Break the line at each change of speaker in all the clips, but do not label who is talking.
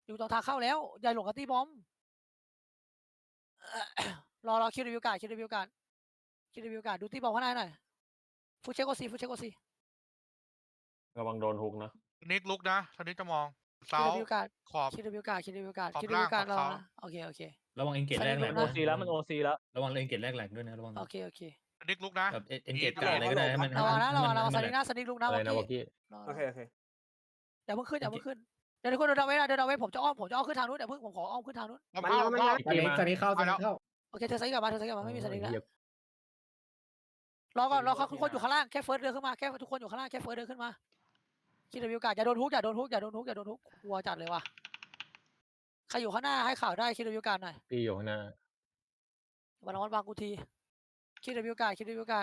อยู่ตรงทางเข้าแล้วอย่าหลงกับตีบอม รอคิวรีวิวการคิวรีวิวการดูตีบอมข้างในหน่อยฟูเชโกซี
ระวังโดนฮุกนะ
นิกลุกนะทันนี้จะมอง
คิ
เสาว
รีวิวการ
ขอบ
คิวรีวิวการ
ขอบ
คิวรี
ล่า
วิ
ง
วการ
ขอบ
ระวัง
เสา
นะโอเค
ระวังเอ็นเกตแรกแหลก
โอ
ด้วย
ซี
แล้วมันโอซีแล้ว
ระวังเอ็นเกตแรกแหลกด้วยนะระวัง
โอเค
นิกลุกนะ
แบบเอ็นเก
อี
ต
ท
กาอะไรก็ได้ให้มัน
ระวังนะระวัง
ให้
ส
มัน
นิกนะสนิกลุกนะ
อะไรนะ
ว
วอกกี้
โอเค
อย่าเพิ่งขึ้นเดี๋ยวทุกคนเดินเอาไว้นะเดินเอาไว้ผมจะอ้อมขึ้นทางนู้นเดี๋ยวผมขออ้อมขึ้นทางนู้น
มันแล้ว
สนิทเข้า
โอเคเธอสนิกกลับมาไม่มีสนิกแล้วรอก่อนทุกคนอยู่ข้างล่างแค่เฟิร์สเดินขึ้นมาแค่ทุกคนอยู่ข้างล่างแค่เฟิร์สเดินขึ้นมาคิดรีวิวการอย่าโดนฮุกกลัวจัดเลยว่ะใครอยู่ข้างหน้าให้ข่าวได้คิดรีวิวการหน่อย
พี่อยู่ข้างหน้า
วันวางกูทีคิดรีวิวการ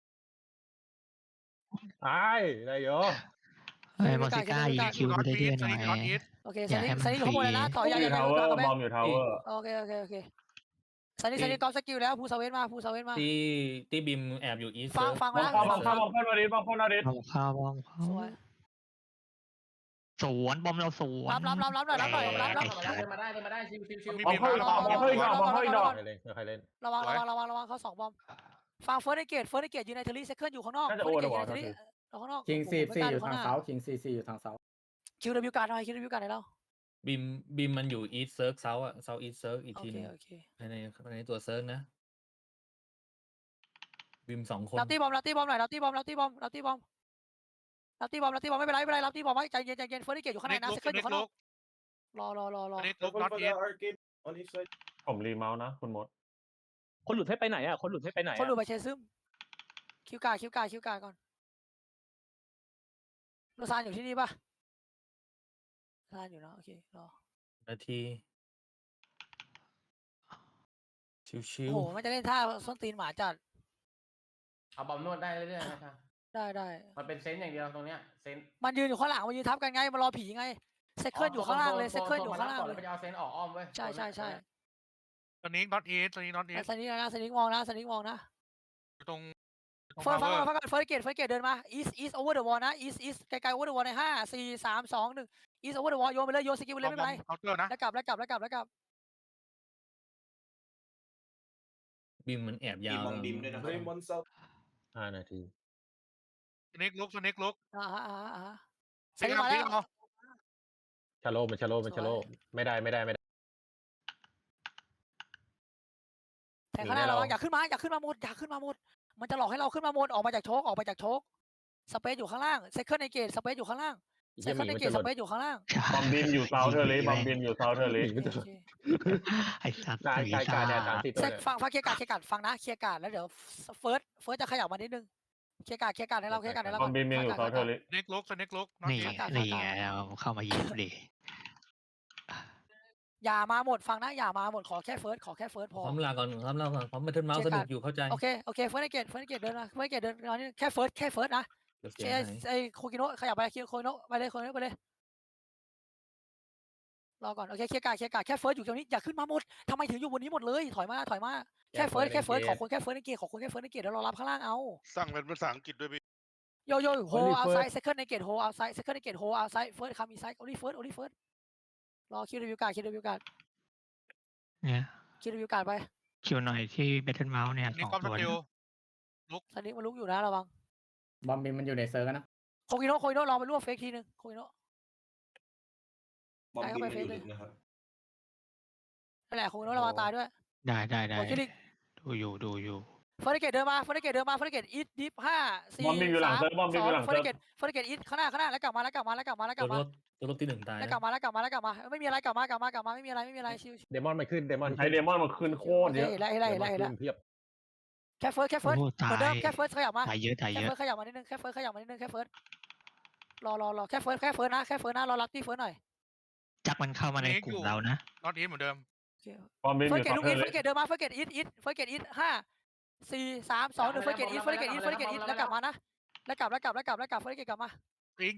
ไอ้ได้เยอะ
มอสิก้ายิงคิว
น็อต
ได้
อี
เรื่
ท
อยๆหน่อย
น็อตอีท
โอเคสนิกอยู่ข้างบนเลยนะถอย
อยู่ทาวเวอร์บอมอยู่ทาวเวอร์
โอเคสนิกกอล์ฟสกิลแล้วภูเซเว่นมา
ที่บิมแอบอยู่อีส
ฟัง
บอ
นะ
มเข้ามาดิบอมเข้ามาดิ
บอมเข้า
สวย
สวนบอมเราสวน
รับหน่อย
เดินมาได้ชิว
บอมเข้าอีกดอกบอมเข้าอีกดอกใครเล่น
ระวังเขา2 บอมฟังเฟิร์สเกตยืนในเทอรี่เซคันด์อยู่ข้างนอก
น่าจะโอเวอร์วอร์
ข้างนอก
คิงซีอยู่ทางเสาคิงซีอยู่ทางเสา
คิวรีวิวการหน่อยคิวรีวิวการไหนเรา
บิมมันอยู่อีสเซิร์กเซาอะเซาอีสเซิร์กอีก
โอ
ที
เค
นึง
โอเค
ในตัวเซิร์กนะบิม2 คน
รับตีบอมหน่อยรับตีบอมไม่เป็นไรรับตีบอมไว้ใจเย็นเฟิร์สเกตอยู่ข้างในนะเซคันด์อยู่ข้างนอกรอ
นิกลุกน็อตอีท
ผมรีเมาส์นะคุณมด
คนหลุดให้ไปไหนอ่ะคนหลุดให้ไปไหน
คนดูไปเชซึมคิวการก่อนโรซานอยู่ที่นี่ป่ะโรซานอยู่นะโอเครอ
นาทีชิว
โอ้โหมันจะเล่นท่าส้นตีนหมาจัด
เอาบอมนวดได้เรื่อยๆนะครับ
ได้
มันเป็นเซนต์อย่างเดียวตรงเนี้ยเซนต์
มันยืนอยู่ข้างหลังมันยืนทับกันไงมันรอผีไงเซคเคิลอยู่ข้างล่างเลยเซคเคิลอยู่ข้างล่างเลย
ไปเอาเซนต์ออกอ้อมเว้ย
ใช่
ตอนนี้น็อตอีท
สนิกมองนะ
ตรง
เฟิร์สเกตเดินมา east over the wall นะ east ไกลๆ over the wall ใน5 4 3 2 1 east over the wall โยนไปเลยโยนสกิลไปเลยไม่เป็นไร
เคาน์เตอร์นะ
แล้วกลับ
บิมมันแอบยาว
บิมด้วยนะ
5 นาที
นิกลุก
ส
นิ
นิ
ก
กมาแล้ว
ชาโลไม่ได้
แทงข้างหน้าระวังอย่าขึ้นมาหมดมันจะหลอกให้เราขึ้นมาหมดออกมาจากโชกสเปซอยู่ข้างล่างเซคเคิลในเกตสเปซอยู่ข้างล่างเซคเคิลในเกตสเปซอยู่ข้างล่าง
บอมบิมอยู่เซาเทอร์ลิ
ไอ้สัตว์
กายแดด30ตัว
เซคฟังเคลียร์การฟังนะเคลียร์การแล้วเดี๋ยวเฟิร์สจะขยับมานิดนึงเคลียร์การให้เรา
บอมบิมอยู่เซาเทอร์ลิ
นิกลุกน็อต
นี่
อีท
ไงเข้ามายิงดิ
อย่ามาหมดฟังนะอย่ามาหมดขอแค่เฟิร์สพอ
พร้อมลาก่อนพร้อมมาเทิร์นเมาส์สนุกอยู่เข้าใจ
โอเคเฟิร์สในเกตเดินมานี่แค่เฟิร์สนะไอ้โคกิโนะขยับไปโคกิโนะไปเลยรอก่อนโอเคเคลียร์การแค่เฟิร์สอยู่ตรงนี้อย่าขึ้นมาหมดทำไมถึงอยู่บนนี้หมดเลยถอยมาแค่เฟิร์สขอคนแค่เฟิร์สในเกตเดี๋ยวเรารับข้างล่างเอา
สั่งเป็นภาษาอังกฤษด้วยพี่
โยโฮเอาไซด์เซคันด์ในเกตโฮเอาไซด์เซคันด์ในเกตโฮเอาไซด์เฟิร์สคามีไซด์โอลี่เฟิร์สรอคิวรีวิวการ
เนี่ย
คิวรีวิวการไป
คิวหน่อยที่เบทเทิลเมาส์เนี่ย
นิก
2
ความส
ตัว
กิล
สนิกมันลุกอยู่นะระวัง
บอมบินมันอยู่ในเซิร์ฟนะ
โคกิโนะลองไปรวบเฟกทีนึงโคกิโนะ
บอมบิมอยู่ลึกนะครับ
นั่นแหละโคกิโนะระวังตายด้วย
ได้
โอเคดิ
ดูอยู่
เฟิร์สเกตเดินมาเฟิร์สเกตอีทดิฟ5 4
บอมบิมอยู่หลังเซิร์ฟ
เฟิร์สเกตอีทข้างหน้าแล้วกลับมา
ตัวรถที่1ตาย
แล้วกลับมาไม่มีอะไรกลับมาไม่มีอะไรชิว
เดมอนมันขึ้นใช้เดมอนมันขึ้นโคตรเยอะ
เห็นแล้ว
เพียบ
แค่เฟิร์สเหมือนเดิมแค่เฟิร์สขยับมา
ตายเยอะ
แค่เฟิร์สขยับมานิดนึงแค่เฟิร์สรอแค่เฟิร์สนะรอรับที่เฟิร์สหน่อย
จักมันเข้ามาในกลุ่มเรานะ
น็อตอีทเหมือนเดิม
บอมบิมอ
เฟิร์ส
ยู่
เกต
เซา
ลูก
เทอ
อี
ร์
ท
ลิ
เฟิร์สเกตเดินมาเฟิร์สเกตอีท5 4 3 2 1เฟิร์สเกตอีทแล้วกลับมานะแล้วกลับเฟิร์สเกตกลับมา
อิง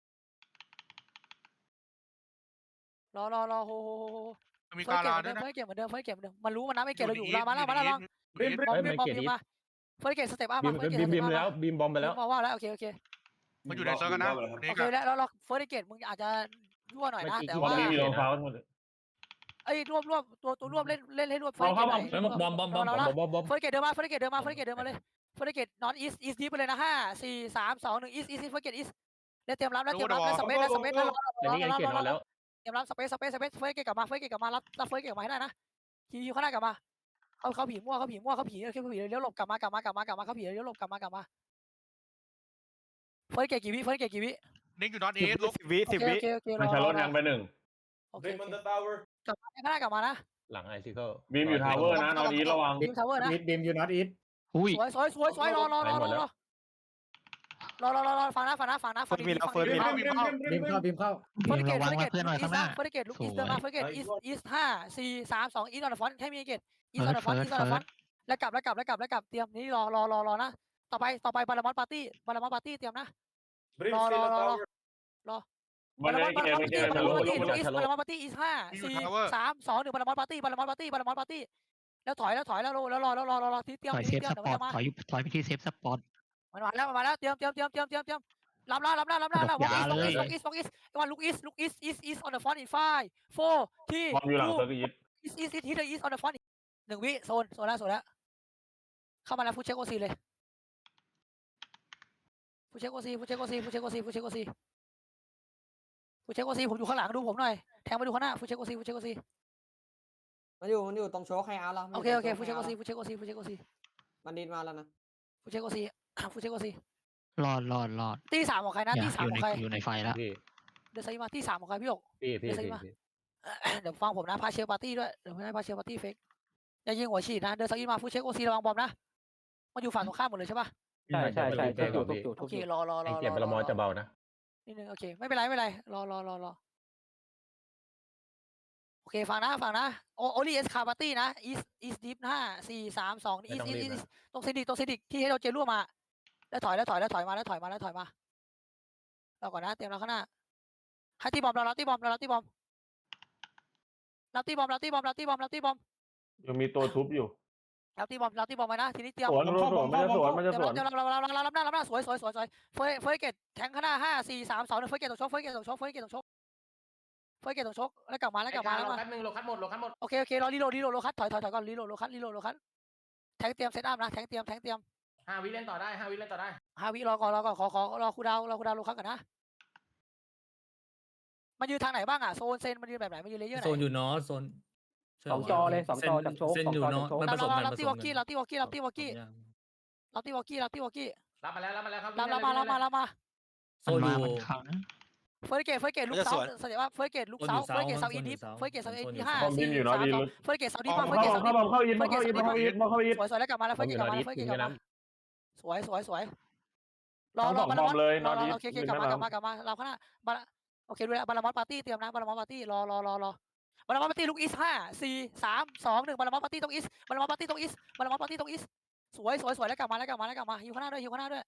รอโฮ
มี
เฟิร์
กา
ส
ลา
เก
ด้วย
ต
นะ
เหมือนเดิมมันรู้มันนับไม่เกตเราอยู่มาแล้วลอง
บิม
บอมมาเฟิร์สเกตสเต็ปอัพมา
บิมแล้วบิมบอมไปแล้ว
มาว่าแล้วโอเค
มันอยู่ในเซิร์ฟกันนะ
โอเคแล้วเฟิร์สเกตมึงอาจจะยั่วหน่อยนะ
เมื่อกี้
แต่
คิด
บอม
ว่า
บีมอยู่ตรงเสาหมด
ไอ้รวบตัวรวบเล่นให้รวบเฟิร์สเกตหน่อย
เฮ้ยบอม
เฟิร์สเกตเดินมาเฟิร์สเกตเดินมาเลยเฟิร์สเกตนอนอีสดีไปเลยนะ5 4 3 2 1อีสเฟิร์สเกตอีสแล้วเตรียมรับแล้วสเปซแล้วรอ
แต่นี่ไงเกตนอนแล้ว
เตรียมรับสเปซเฟิร์สเกตกลับมารับเฟิร์สเกตกลับมาให้ได้นะคิวข้างหน้ากลับมาเขาผีมั่วเขาผีเลี้ยวหลบกลับมาเขาผีเลี้ยวหลบกลับมาเฟิร์สเกตกี่วิ
นิกอยู่นอตเอสลก
โอเค
มันชาร์ลยังไปหนึ่ง
โอเคกลับมาข้างหน้ากลับมานะ
หลังไอซิเคิล
บีมอยู่ทาวเวอร์นะนอนอีระวัง
ทีมทาวเวอร์นะ
บีมอยู่นอตอีท
อุ้ย
สวยรอฟังนะฟังดี
บีมเข้า
บีมเข้า
เฟิร์สเกต
ระวังว่าเพื่อนหน่อยข้างหน้า
เฟิร์สเกตลูกอีสเดินมาเฟิร์สเกตอีส5 4 3 2อีสออนฟอนให้มีเกตอีสออนฟอนแล้วกลับเตรียมนี่รอนะต่อไปบาลามอนปาร์ตี้เตรียมนะรอ
มันไม่เกมไม่เกม
บา
ชา
ลา
ร์
ม
ล
อนปาร์ตี้อีส5 4 3 2 1บาลามอนปาร์ตี้แล้วถอยแล้วรอที่เตรียม
ถอยเซฟสปอร์ตถอยไปที่เซฟสปอร์ต
มันมาแล้วเตรียมรับแล้วล็อกอีสวันลูกอีส on the front in 5 4 ที่
บอมอยู่หลังเซอร์กิต
อีสที่เดอะอีส on the front 1 วิโซนแล้วเข้ามาแล้วฟูเช็คโอซีเลยฟูเช็คโอซีผมอยู่ข้างหลังดูผมหน่อยแทงมาดูข้างหน้าฟูเช็คโอซี
มันอยู่ตรงโชว์ใครเอาแล้ว
โอเคฟูเช็คโอซี
มันดินมาแล้วนะ
ฟูเช็คโอซี
รอด
ตี3ของใครนะตี3ของใคร
อยู่ในไฟแล้ว
พี่
เดอะไซมาตี3ของใครพี่หยก
พี่
เดี๋ยวฟังผมนะพาเชลปาร์ตี้ด้วยเดี๋ยวไม่ให้พาเชลปาร์ตี้เฟกอย่ายิงหัวฉีดนะเดินสกีมาฟูเช็คโอซีระวังบอมนะมันอยู่ฝั่งตรงข้ามหมดเลยใช่ปะ
ใช่ทุกอยู่
โอเครอ
ไอเกียร์บาลามอจะเบานะ
นิดนึงโอเคไม่เป็นไรรอโอเคฟังนะโอลี่เอสคาปาร์ตี้นะอีสดิฟ5 4 3 2อีสตรงซิดิกที่ให้เราเจรั่วมาแล้วถอยมาเราก่อนนะเตรียมเราข้างหน้าให้ตีบอมเรารับตีบอม
ยังมีตัวทุบอยู่
รับตีบอมมานะทีนี้เตรียม
สวนมันจะสวน
เดี๋ยวเรารับหน้าสวยเฟยเกตแทงข้างหน้า5 4 3 2 1เฟยเกตตกชกแล้วกลับมา
แป๊บนึงโลคัสหมด
โอเครอรีโหลดโลคัสถอยก่อนรีโหลดโลคัสแทงเตรียมเซตอัพนะแทงเตรียม
5 วิเล่นต่อได้
5 วิรอก่อนขอรอคูดาวโลคัสก่อนนะมันยืนทางไหนบ้างอ่ะโซนเซนมันยืนแบบไหนมันยืนเลเยอร์ไหน
โซนอยู่นอตโซน
2 จอเลย 2 จอจากโชว์
เส้นอยู่นอตมันผสมกัน
รับที่วอลกี้รับมา
โซนอยู่
มันขัง
เฟิร์สเกตลูกเสาแสดงว่าเฟิร์สเกตลูกเสาเฟิร์สเกตเสาอินดิฟเฟิร์สเกตเสาอินดิฟ5
บอมบีมอยู่นอตอี
4 3 2เฟิร์สเกตเสาดิฟ
เข้าอีทมาเข้าอีท
สวยแล้วกลับมาแล้วเฟิร์สเกตกลับมาสวยรอโอเคกลับมาเราข้างหน้าโอเคด้วยบาลามอนปาร์ตี้เตรียมนะบาลามอนปาร์ตี้รอบาลามอนปาร์ตี้ลูกอีส5 4 3 2 1บาลามอนปาร์ตี้ตรงอีสสวยแล้วกลับมาอยู่ข้างหน้าด้วย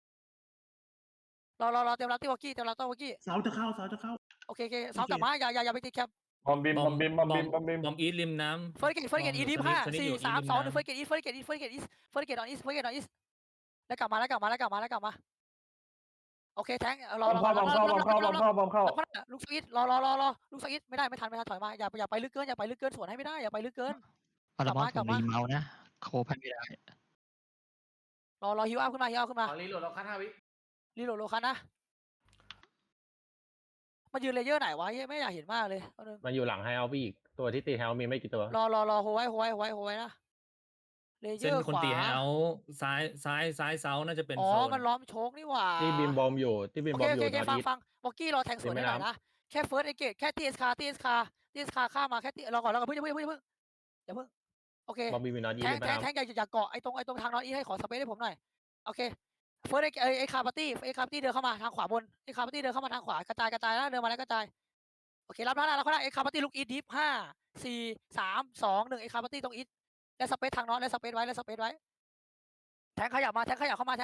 รอเตรียมรับที่วอลกี้
เสาจะเข้า
โอเคเสากลับมาอย่าไปติดแคป
บอมบีม
บอมอีทริมน้ำ
เฟิร์สเกตอีดิฟ5 4 3 2 1เฟิร์สเกตออนอีสแล้วกลับมาโอเคแทงรอลูกสวิตรอลูกสวิตไม่ทันถอยมาอย่าไปลึกเกินสวนให้ไม่ได้อย่าไปลึกเกิน
ปรมาผมรีเมาส์นะโคพันไม่ได้
รอฮิวอัพขึ้นมา
รีโหลดโลคัส5 วิ
รีโหลดโลคัสนะมันยืนเลเยอร์ไหนวะไม่อยากเห็นมากเลย
มันอยู่หลังไฮเอาพี่อีกตัวที่ตีไฮเอามีไม่กี่ตัว
รอโฮไว้นะเลเย
เส้น
อร์
คน
ขวา
ตีให้เอาซ้ายเซาน่าจะเป็น
อ๋อ
โซน
มันล้อมโชคนี่หว่า
ที่บีมบอมอยู่
โอเคฟังวอกกี้รอแทงสวนได้หน่อยนะแค่เฟิร์สไอเกตแค่ทีเอสคาข้ามาแค่รอก่อนเพิ่งอย่าเพิ่งโอเค
บอมบีมีนอตยี
แท
เลย
งอย่าเกาะไอ้ตรงทางนอนอีให้ขอสเปซให้ผมหน่อยโอเคเฟิร์สไอคาปาร์ตี้เดินเข้ามาทางขวาบนไอคาปาร์ตี้เดินเข้ามาทางขวากระจายแล้วเดินมาแล้วกระจายโอเครับหน้าแล้วไอคาปาร์ตี้ลุกอีดิฟ5 4 3 2 1ไอคาปาร์ตี้ตรงอีและสเปซทางนอนและสเปซไว้แทงขยับเข้ามา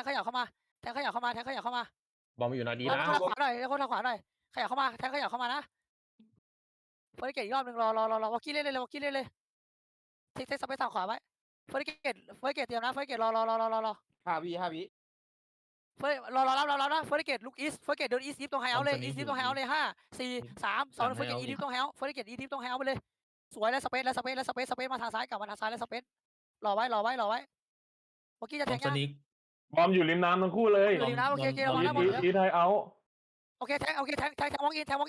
บอมอยู่นอตยี
แล้ว
นะ
คนทางขวาหน่อยขยับเข้ามานะเฟิร์สเกตอีกรอบนึงรอวอกกี้เล่นเลยเทคสเปซทางขวาไว้เฟิร์สเกตเตรียมนะเฟิร์สเกตรอ
5 วิ
เฟิร์สรอรับนะเฟิร์สเกตลุกอีสเฟิร์สเกตเดินอีสยิปตรงไฮเอาเลยอีสยิปตรงไฮเอาเลย5 4 3 2เฟิร์สเกตอีดิฟตรงไฮเอาเฟิร์สเกตอีดิฟตรงไฮเอาไปเลยสวยแล้วสเปซมาทางซ้ายกลับมาทางซ้ายแล้วสเปซรอไว้เมื่อกี้จะ
บ
แท
อม
ง
ส
ยัง
นิก
บอมอยู่ริมน้ำทั้งคู่เลย
อยู่ริมน้ำโอเคระวังนะบอล
อีทไทเอา
โอเคแทงวองอิน
บอ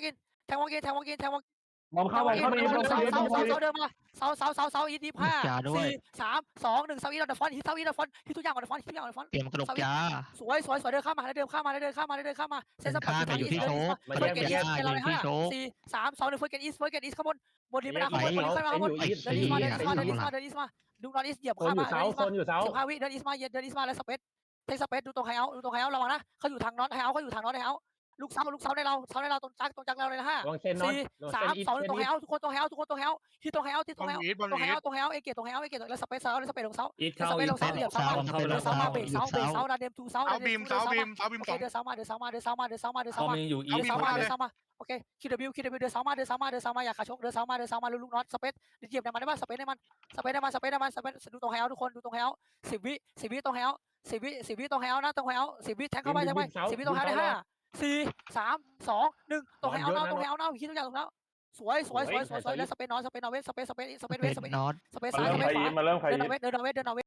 มเข้าไปเข้าไปอีท
เสา
เข้าไปอีท
เดินมาเสาอีดิฟ5 4 3 2 1เสาอีดอนเดอะฟอนฮิตเสาอีดอนฟอนฮิตทุกอย่างออนเดอะฟอนฮิตทุกอย่างออนเดอะฟอน
เตรียมกระดกยา
สวยเดินเข้ามาเซนสปอร์ต
ข้ามอยู่ที่โชค
เฟิร์สเกตอีสเราเลย5 4 3 2 1เฟิร์สเกตอีสข้างบนนี้ไม่ได้ข้างบนขึ้นมาข้างบน
อยู่อีท
เดินอีสมาดูนอนอีสเหยียบ
โซน
ข้า
อยู่
มา
เสาโซนอยู่เสา
15 วิเดินอีสมาแล้วสเปซเทคสเปซดูตรงไฮเอาระวังนะเขาอยู่ทางน็อตไฮเอาเขาอยู่ทางน็อตไฮเอาลูกเสาในเราตรงจักเราเลยนะ5
วางเส้นน็อต
4 3 2ตรงไฮเอาทุกคนตรงไฮเอาที่ตรงไฮเอาเอเกตตรงไฮเอาแล้วสเปซลงเสา
อีท
ส
เข้า
เป
อี
ซ
ท
ลงเสาเหยียบเสาเบรกเสาดาเดมทูเสา
เสาบีม2
เดินเสามา
บอมยังอยู่อีท
เดินเสามาโอเคคิวเดินเสามาอย่าขาชกเดินเสามาลูกน็อตสเปซเหยียบในมันได้ป่ะสเปซในมันดูตรงไฮเอาทุกคนดูตรงไฮเอา10 วิตรงไฮเอา10 วิตรงไฮเอานะตรงไฮเอา10 วิแทงเข้าไป10 วิตรงไฮได้5 4 3 2 1ตรงไฮเอาตรงไฮเอาคิดทุกอย่างตรงแล้วสวยแล้วสเปซนอนเวส
เป็
เว
น
ส
น็อต
สเปซซ้าย
มาเริ่มใครอีทมาเริ่มใคร
เดิน
อี
เอา
ท
เวส